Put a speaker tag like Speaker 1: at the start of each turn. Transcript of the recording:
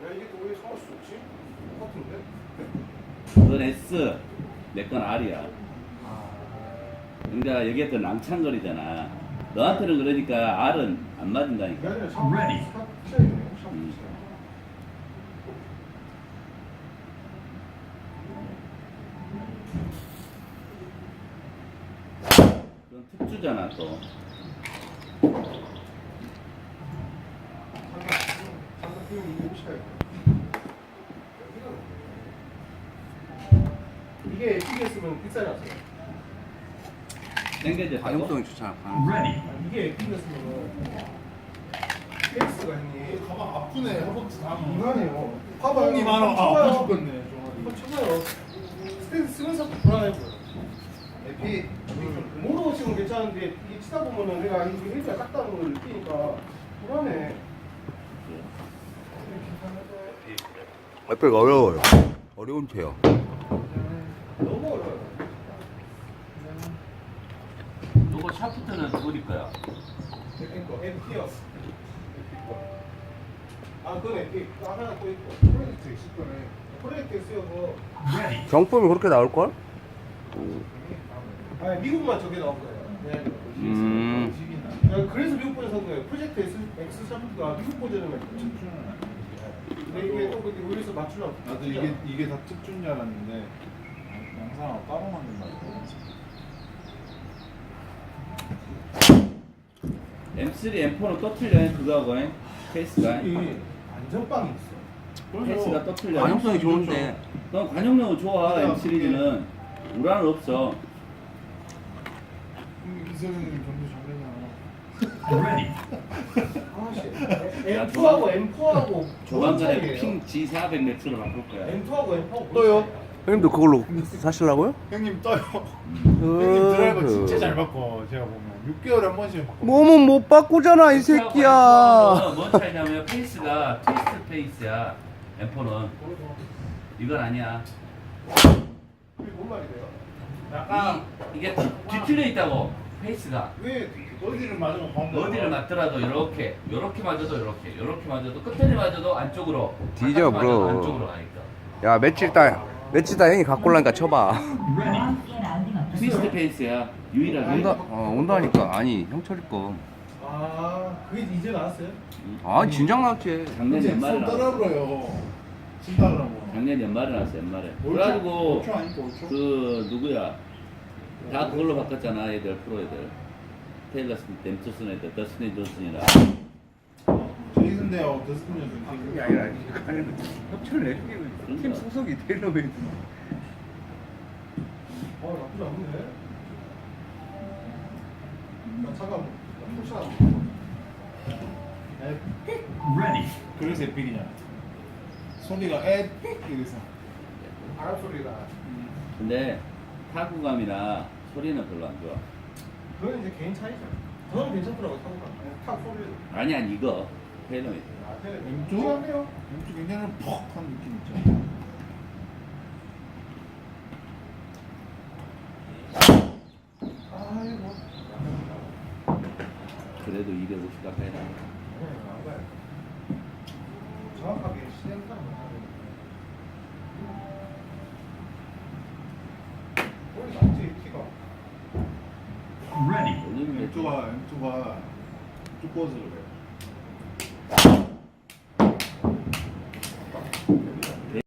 Speaker 1: 이게 또 왜 상할 수 없지? 똑같은데?
Speaker 2: 그건 S, 내 건 R이야. 그러니까 여기가 더 낭창거리잖아. 너한테는 그러니까 R은 안 맞는다니까.
Speaker 1: 그게 아니라 샵 차이네. 샵 차이.
Speaker 2: 그건 특주잖아 또.
Speaker 1: 이게 에픽이었으면 비싸지 않았어요?
Speaker 2: 땡겨져.
Speaker 3: 가용성이 좋잖아.
Speaker 1: 이게 에픽이었으면 케이스가 형님
Speaker 4: 가방 아프네. 허벅지 다
Speaker 1: 인간이에요.
Speaker 4: 형이 많아. 아파 죽겠네.
Speaker 1: 한번 쳐봐요. 스탠스 쓰는 사람 불안해 보여.
Speaker 4: 에피.
Speaker 1: 모르고 치면 괜찮은데 이게 치다 보면은 내가 이게 헬기가 작다는 걸 느끼니까 불안해.
Speaker 3: 에펙 어려워요. 어려운 채요.
Speaker 1: 너무 어려워요.
Speaker 2: 요거 샤프트는 누구일 거야?
Speaker 1: 에픽이요. 아, 그건 에픽. 하나 또 있고.
Speaker 4: 프로젝트 있을 거네.
Speaker 1: 프로젝트 쓰여서.
Speaker 3: 경품이 그렇게 나올걸?
Speaker 1: 아니, 미국만 저게 나온 거예요. 야, 그래서 미국 버전 산 거예요. 프로젝트 X 샤프트가 미국 버전을 만들었죠. 근데 이게 또 근데 우리에서 맞추려고.
Speaker 4: 나도 이게 다 특준 줄 알았는데 영상하고 따로 만든다고.
Speaker 2: M3, M4는 또 틀려. 그거하고 케이스가.
Speaker 1: 이 안전빵이 있어.
Speaker 2: 케이스가 또 틀려.
Speaker 3: 가용성이 좋은데.
Speaker 2: 넌 관용력은 좋아. M 시리즈는 우라는 없어.
Speaker 4: 이선생님 점수 잘내냐.
Speaker 1: 아씨. M2하고 M4하고
Speaker 2: 조만간에 핑 G400 매트로 바꿀 거야.
Speaker 1: M2하고 M4하고
Speaker 4: 또요?
Speaker 3: 형님도 그걸로 사시려고요?
Speaker 4: 형님 떠요. 형님 드라이버 진짜 잘 바꿔. 제가 보면 6개월에 한 번씩 바꿔.
Speaker 3: 몸은 못 바꾸잖아 이 새끼야.
Speaker 2: 뭔 차이냐면 페이스가 트위스트 페이스야. M4는 이건 아니야.
Speaker 1: 그게 뭔 말이래요?
Speaker 4: 약간
Speaker 2: 이게 뒤틀려 있다고. 페이스가
Speaker 1: 왜
Speaker 4: 어디를 맞으면 가운데.
Speaker 2: 어디를 맞더라도 이렇게 맞아도 이렇게 맞아도 끝에 맞아도 안쪽으로.
Speaker 3: 뒤져,
Speaker 2: 바깥에 맞아도
Speaker 3: 브로.
Speaker 2: 안쪽으로 가니까.
Speaker 3: 야 며칠 있다 형이 갖고 올라니까 쳐봐.
Speaker 2: 트위스트 페이스야. 유일하게.
Speaker 3: 온다니까. 아니 형철이 거.
Speaker 1: 아, 그게 이제 나왔어요?
Speaker 3: 아 진작 나왔지.
Speaker 2: 작년 연말에
Speaker 4: 손
Speaker 2: 나왔어.
Speaker 4: 따라불어요. 신다라고.
Speaker 2: 작년 연말에 나왔어. 연말에.
Speaker 4: 올초?
Speaker 2: 그래가지고
Speaker 4: 올초 아니고 올초?
Speaker 2: 그 누구야? 다 그걸로 바꿨잖아. 애들 프로 애들. 테일러 스미스, 댐투슨 애들, 더스틴 존슨이라.
Speaker 4: 제이슨데요. 더스틴
Speaker 3: 그게 아니라 협찬을 내주기는 팀 소속이 테일러메이드.
Speaker 1: 나쁘지 않네. 나 차가 푸시하고.
Speaker 4: 그래서 에픽이냐. 소리가 에 이래서.
Speaker 1: 바람 소리가.
Speaker 2: 근데 타구감이나 소리는 별로 안 좋아.
Speaker 1: 그건 이제 개인 차이죠. 저는 괜찮더라고 타고가. 탁 소리를.
Speaker 2: 아니야 이거 테일러메이드.
Speaker 4: 왼쪽? 왼쪽 굉장히 퍽한 느낌 있죠.
Speaker 1: 아이고.
Speaker 2: 그래도 250 가까이 나.
Speaker 1: 정확하게 시행착오 못하는. 원래 낫지 키가.
Speaker 2: 올리면
Speaker 4: M2가 두꺼워서 그래요.